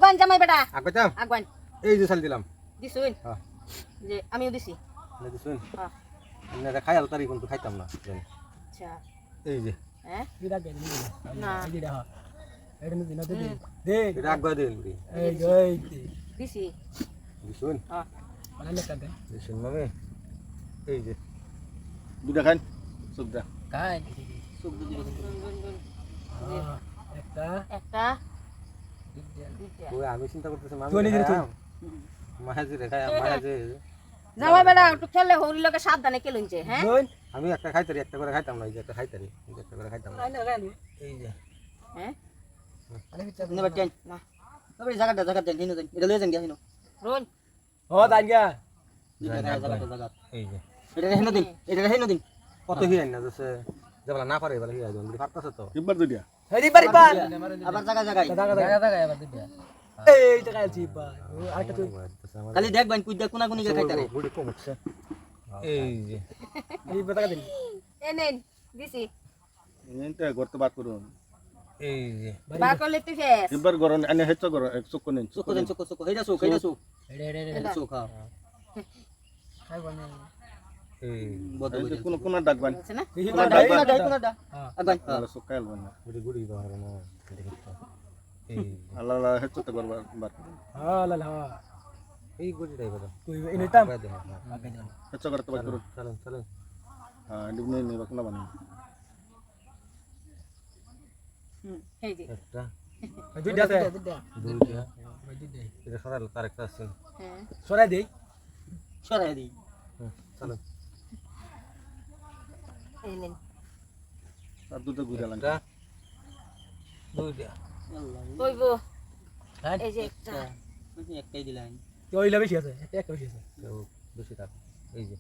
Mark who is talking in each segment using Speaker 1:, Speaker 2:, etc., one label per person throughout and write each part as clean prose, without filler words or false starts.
Speaker 1: আগুয়ান জামাই বেটা
Speaker 2: আগাইতাম
Speaker 1: আগুয়ান
Speaker 2: এই যে চাল দিলাম
Speaker 1: দিছুন
Speaker 2: হ্যাঁ
Speaker 1: যে আমিও দিছি
Speaker 2: না দিছুন
Speaker 1: হ্যাঁ
Speaker 2: না খাই আলতারি কিন্তু খাইতাম না জানি
Speaker 1: আচ্ছা
Speaker 2: এই যে
Speaker 1: হ্যাঁ
Speaker 3: বিরাট দেন
Speaker 1: না
Speaker 3: এই যে দেখো এটা দিন দে দে
Speaker 2: এটা আগাই দেন বুড়ি
Speaker 3: এই
Speaker 1: দিছি
Speaker 2: দিছুন
Speaker 1: হ্যাঁ
Speaker 3: মানে লেখা দে
Speaker 2: দিছুন মামি এই যে
Speaker 4: দুটা খান সুবিধা
Speaker 3: কাই
Speaker 1: গুন, গুন, গুন।
Speaker 3: একটা
Speaker 1: একটা
Speaker 3: দুইটা
Speaker 1: দুইটা
Speaker 2: ওই আমি চিন্তা করতেছি মামি
Speaker 3: তুই নিজে তুই।
Speaker 2: মাহাজি রে খাই মাহাজি
Speaker 1: জামাই বেটা একটু খেললে হরি লোকে সাবধানে কেলুনছে হ্যাঁ
Speaker 3: দুই
Speaker 2: আমি একটা খাইতারি একটা করে খাইতাম না এই যে একটা খাইতারি এই যে একটা করে খাইতাম না
Speaker 3: আইনা গানি
Speaker 2: এই যে
Speaker 1: হ্যাঁ
Speaker 3: আরে বিচ্ছা
Speaker 5: নেবার টেন
Speaker 1: না
Speaker 5: তবে জায়গাটা দেন হিনো দেন এটা লয়ে যান গিয়া হিনো
Speaker 1: রোল
Speaker 3: ও দাঙ্গা
Speaker 5: জায়গা
Speaker 2: এই যে
Speaker 5: এটা হিনো দিন
Speaker 2: কত হি আইনা যাচ্ছে যেবলা না পারে এবার হি আইজন বুড়ি পারতাছে তো
Speaker 4: কিবার দুইটা
Speaker 3: হেরি পারি পা
Speaker 5: আবার জায়গায়
Speaker 3: দাগা এবার দিবা এই টাকা আছি পা আরেকটা তুই
Speaker 5: খালি দেখবেন কুইদা কোনা কোনি খাইতা রে
Speaker 2: বুড়ি কম উঠছে এই যে
Speaker 3: এই টাকা দিন
Speaker 1: এনেন দিছি
Speaker 4: এটা করতে বাদ করুন
Speaker 2: এই যে
Speaker 1: বার করলে তুই ফেস
Speaker 4: কিবার গরন এনে হেচ্চ গরন এক চুক নেন
Speaker 5: চুকো দেন চুকো হেডা চুক
Speaker 3: এড়ে
Speaker 5: চুক হ্যাঁ
Speaker 3: খাই বনে
Speaker 2: এই
Speaker 5: বদ
Speaker 4: এই কোন কোন ডাকবান
Speaker 1: আছে না
Speaker 3: এই
Speaker 5: কোনাটা আগান
Speaker 4: তাহলে চুক খাইল বান
Speaker 2: বুড়ি গুড়ি বাহার না এই
Speaker 4: আল্লাহ আল্লাহ হেচ্চ তে করবা বাদ
Speaker 3: হ্যাঁ লা লা
Speaker 2: এই গুড়ি দাই বড়
Speaker 3: তুই ইনে টাম
Speaker 4: হেচ্চ করতে বাদ করুন
Speaker 2: চলেন চলেন
Speaker 4: হ্যাঁ ডিবনে নি বাকুনা বান
Speaker 1: এই যে
Speaker 2: একটা
Speaker 3: দুইটা আছে
Speaker 2: দুইটা
Speaker 3: দুইটা
Speaker 2: এটা সরাইলো তার একটা আছে
Speaker 1: হ্যাঁ
Speaker 3: সরাই দেই
Speaker 5: সরাই দি
Speaker 2: চলেন
Speaker 1: এনেন
Speaker 4: আর দুটো গুজা
Speaker 2: একটা দুইটা
Speaker 1: কইবো এই যে একটা
Speaker 5: একটাই দিলাম
Speaker 3: তুই লবে বেশি আছে একটা বেশি আছে
Speaker 2: কেউ বেশি থাক এই যে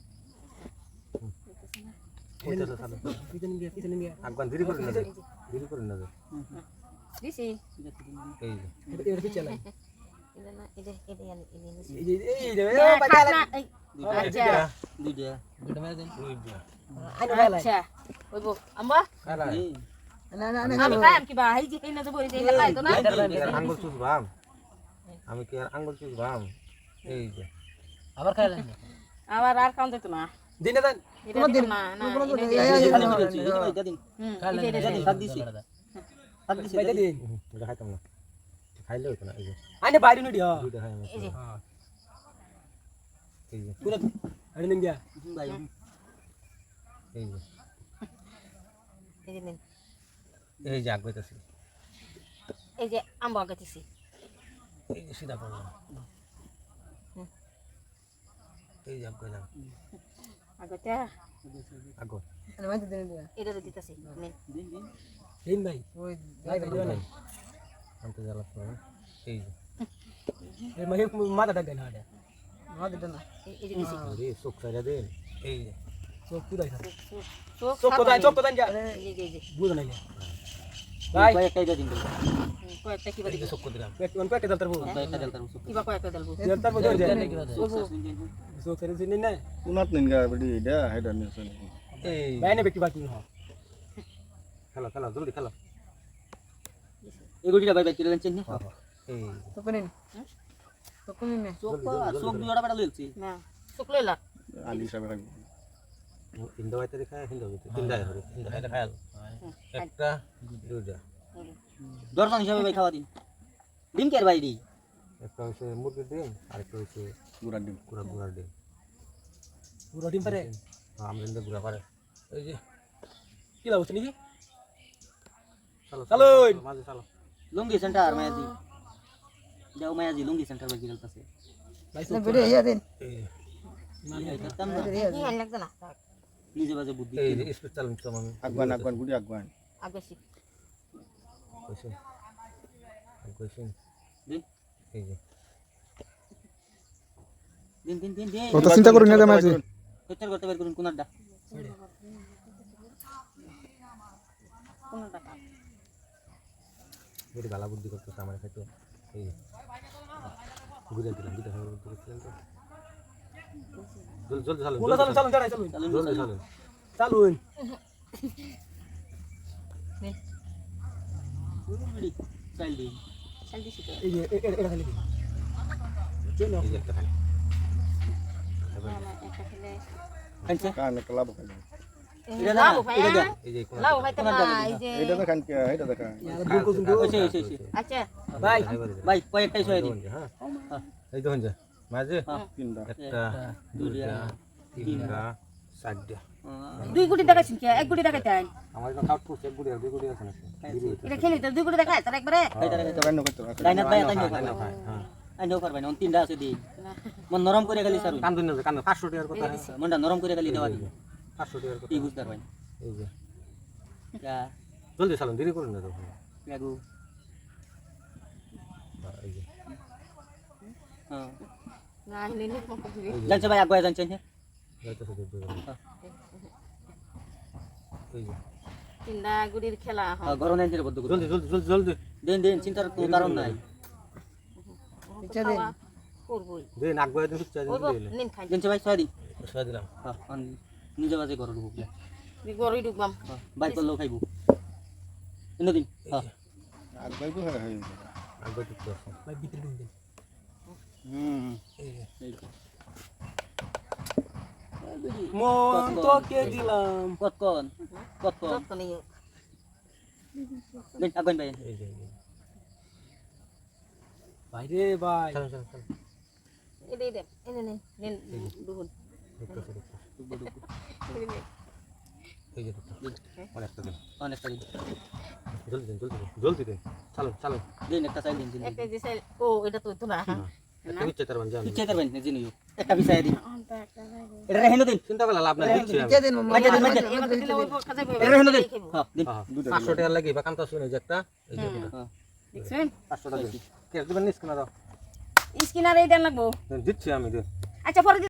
Speaker 3: পিছনে গিয়া
Speaker 2: আগুন দেরি করে না যায় দেরি করে না যায়
Speaker 1: দিছি
Speaker 2: এই যে
Speaker 3: এটা পিছে লাই
Speaker 1: এটা না এটা এটা এনে দিছি
Speaker 3: এই রে
Speaker 1: না এই আচ্ছা
Speaker 5: দুইটা
Speaker 3: দুটো মেরে দেন
Speaker 2: দুইটা
Speaker 1: আচ্ছা কইবো আম্মা
Speaker 2: কারা
Speaker 3: না না
Speaker 1: আমি কাম কি বা এই যে এই না তো বলি যে এটা খাই তো না
Speaker 2: আঙ্গুল চুষ বাম আমি কি আর আঙ্গুল চুষ বাম এই যে
Speaker 3: আবার খাইলেন
Speaker 1: আবার আর কাম দিত না
Speaker 3: দিনে দেন
Speaker 1: এটা দিত না না
Speaker 5: এটা দিন
Speaker 1: খালি
Speaker 5: দিছি হাত দিছি
Speaker 3: বাইতে দিন
Speaker 2: এটা খাইতাম না খাইলে হইতো না এই যে
Speaker 3: আইনে বাইরে নুডি হ্যাঁ
Speaker 2: দুইটা খাই আমি
Speaker 1: এই যে
Speaker 2: এই যে
Speaker 5: পুরো
Speaker 3: আরে নিন গিয়া
Speaker 5: ভাই
Speaker 2: এই যে
Speaker 1: এই যে নিন।
Speaker 2: এই যে আগাইতেছি
Speaker 1: এই যে আম্বা গাইতেছি
Speaker 2: এই যে সিধা করলাম এই যে আগাইলাম
Speaker 1: আগাইতে
Speaker 2: আগো
Speaker 3: আরে বাইতে দিন দিয়া
Speaker 1: এটা দিতেছি নিন
Speaker 3: দিন ভাই ওই ভাই ভাই দিবেন
Speaker 2: আনতে জ্বালা তো এই যে
Speaker 3: এই মাহি মাথা ডাক দেন হাড়ে মাথা দেন না
Speaker 1: এই যে দিছি
Speaker 2: আরে চোখ সাইডা দেন এই যে
Speaker 3: সব কুদাই থাকে
Speaker 1: চোখ
Speaker 3: চোখ কোদাই যা
Speaker 1: এই যে
Speaker 3: বুঝ না ভাই
Speaker 5: কয়েকটা দিন
Speaker 1: কয়েকটা কিবা
Speaker 2: এই যে চোখ দিলাম
Speaker 3: কোন পেটে দলতার বউ
Speaker 5: কয়েকটা দিন তার
Speaker 1: কিবা কয়েকটা দেলবো
Speaker 3: দলতার বউ ধরে সো ফেরে দিন না
Speaker 4: কোনাত নিন গা বডি এটা হেডা নিছেন
Speaker 2: এই
Speaker 3: বাইনে বেকি বাকি হ
Speaker 2: খেলা খেলা জলদি খেলা
Speaker 5: এগুলিটা ভাই ভাই কিলো দেন চিনি
Speaker 2: এই
Speaker 3: তো কোনিন তো কোনিন নে
Speaker 5: চোখ চোখ দুইটা বেটা লইছি
Speaker 1: না চোখ লইলা
Speaker 4: আলি সাহেব রাখবো
Speaker 2: হিন্দু বাইতে খায় হিন্দু বাইতে তিনটা হরে হিন্দু এটা খায় একটা দুইটা
Speaker 5: দর্শন হিসাবে ভাই খাওয়া দিন ডিম কের ভাই দি
Speaker 2: একটা হচ্ছে মুরগির ডিম আরেকটা হচ্ছে
Speaker 4: গুড়া ডিম
Speaker 2: গুড়ার ডিম
Speaker 3: পুরো ডিম পারে
Speaker 2: আমরা ইন্দু গুড়া পারে এই যে
Speaker 3: কি লাভ নাকি
Speaker 2: চলো
Speaker 3: চলো।
Speaker 2: মাঝে চলো
Speaker 5: লুঙ্গি সেন্টার মায়াজি যাও মায়াজি লুঙ্গি সেন্টার ভাই গেল পাশে
Speaker 3: ভাই সব ভিডিও ইয়া দিন
Speaker 2: এই
Speaker 5: করতাম না
Speaker 1: কি হল লাগতো না
Speaker 5: নিজে বাজে বুদ্ধি
Speaker 2: এই যে স্পিড চালাম তো আমি
Speaker 4: আগুয়ান আগুয়ান গুড়ি আগুয়ান
Speaker 1: আগাছি
Speaker 2: কইছেন কইছেন
Speaker 5: দিন
Speaker 2: এই যে
Speaker 5: দিন দিন দিন দিন
Speaker 6: তো চিন্তা করুন না মাঝে
Speaker 5: কোথার করতে বের করুন কোনারটা
Speaker 1: কোনটা কাম
Speaker 2: মেরে গালা বুদ্ধি করতেছে আমার খাইতো এই যে ঘুরে দিলাম দুটো খাবার বুদ্ধি করছিলাম তো জলদি চালুন
Speaker 3: বলো চলুন চলুন চলুন চলুন
Speaker 2: জলদি চালুন
Speaker 3: চলুন
Speaker 5: চাইল্ড
Speaker 1: খালি দিছি তো
Speaker 3: এই যে এটা খালি দিন চলো
Speaker 2: এই যে একটা খাই
Speaker 1: একটা খেলে
Speaker 5: খাইছে
Speaker 4: কান একটা লাভ খাই
Speaker 5: এটা না
Speaker 1: লাউ ভাই
Speaker 5: এটা দে
Speaker 2: এই যে কোন
Speaker 1: লাউ খাইতে না এই যে
Speaker 4: এইটা দেখান কে এইটা দেখা
Speaker 3: यार भूल को तुम
Speaker 5: ওইছে ওইছে ওইছে
Speaker 1: আচ্ছা
Speaker 3: भाई
Speaker 5: ভাই কয়েকটাই ছয় দিন
Speaker 2: হ্যাঁ এই দেখুন যে মাঝে
Speaker 4: তিনটা
Speaker 2: একটা দুইটা তিনটা চারটা
Speaker 1: দুই গুটি দেখাইছেন কি এক গুটি দেখাইতেন
Speaker 2: আমার তো কাউট করছে গুড়ি আর দুই গুড়ি আছে না
Speaker 1: এটা খেলি তো দুই গুটি দেখাই তার একবারে
Speaker 4: এটা রান্না করতে রাখা
Speaker 5: লাইনাত ভাই তাই
Speaker 2: হ্যাঁ
Speaker 5: নো
Speaker 2: হ্যাঁ
Speaker 5: আই নো পারবাই না তিনটা আছে দি মন নরম করে খালি সারু
Speaker 2: কান্দুন না কান্দুন 500 টাকার কথা
Speaker 5: মনটা নরম করে খালি দেওয়া দি
Speaker 2: 500 টাকার কথা
Speaker 5: কি বুঝতে পারবাই
Speaker 2: এই যে
Speaker 5: যা
Speaker 2: জলদি চালান দেরি করুন না তো
Speaker 5: লাগু
Speaker 2: এই যে
Speaker 5: হ্যাঁ
Speaker 1: না হিলে নি মক দিবি
Speaker 5: জানছে ভাই আগুয়া জানছে
Speaker 2: যাইতেছে দেখবে এই যে
Speaker 1: তিনটা গুটির খেলা হ্যাঁ
Speaker 5: গরম নেন বদ্ধ করে
Speaker 2: জলদি জলদি জলদি জলদি
Speaker 5: দেন দেন চিন্তার কোনো কারণ নাই
Speaker 1: ইচ্ছা দেন করবই
Speaker 2: দে নাক গয়া দিন চা
Speaker 1: ওই
Speaker 2: দিন
Speaker 1: নিন খাই
Speaker 5: জানছে ভাই ছয় দিন
Speaker 2: সয়া দিলাম
Speaker 5: হ্যাঁ নিজে বাজে ঘর ঢুকলে
Speaker 1: গরুই ডুববাম
Speaker 5: বাইক করলেও খাইবো এনে দিন হ্যাঁ
Speaker 4: আর ভাই তো হয়
Speaker 2: নাক গয়া দিতে আছে
Speaker 3: भाई भीतर ढूंढ दे
Speaker 2: এই যে
Speaker 3: মন তো কে দিলাম
Speaker 5: কতক্ষণ কতক্ষণ
Speaker 1: যত নেই
Speaker 5: দেন আগুন ভাই
Speaker 2: এই যে
Speaker 3: ভাই রে ভাই
Speaker 2: চল চল চল
Speaker 1: এটা এটা এনে নে নেন দুহুন
Speaker 2: দেখতেছে দেখতেছে এই যে অনেকটা দিন
Speaker 5: অনেকটা দিন
Speaker 2: জলদি দিন জলদি দিন চালো চালো
Speaker 5: দিন একটা চাই দিন দিন
Speaker 1: একটা যে সেল ও এটা তো তো না
Speaker 2: একটা বিচ্ছে তার মানে জানো
Speaker 5: ইচ্ছে করবেন না জিনিস একটা বিষয় দিন এটা রেহেন দিন
Speaker 2: চিন্তা করলা লাভ নাই দিচ্ছি আমি
Speaker 5: মাইকে দিন মাইকে
Speaker 1: এবার দিলে ওই কাজে
Speaker 5: এটা রেহেন দিন হ্যাঁ দিন
Speaker 2: 500 টাকা লাগি বা কামতা শুনে যে একটা এই যে
Speaker 5: হ্যাঁ
Speaker 1: দেখছেন
Speaker 2: 500 টাকা কে দিবেন নিস কেন দাও
Speaker 1: স্কিনার এই দেন লাগবো
Speaker 2: দিচ্ছি আমি দিন
Speaker 1: আচ্ছা পরে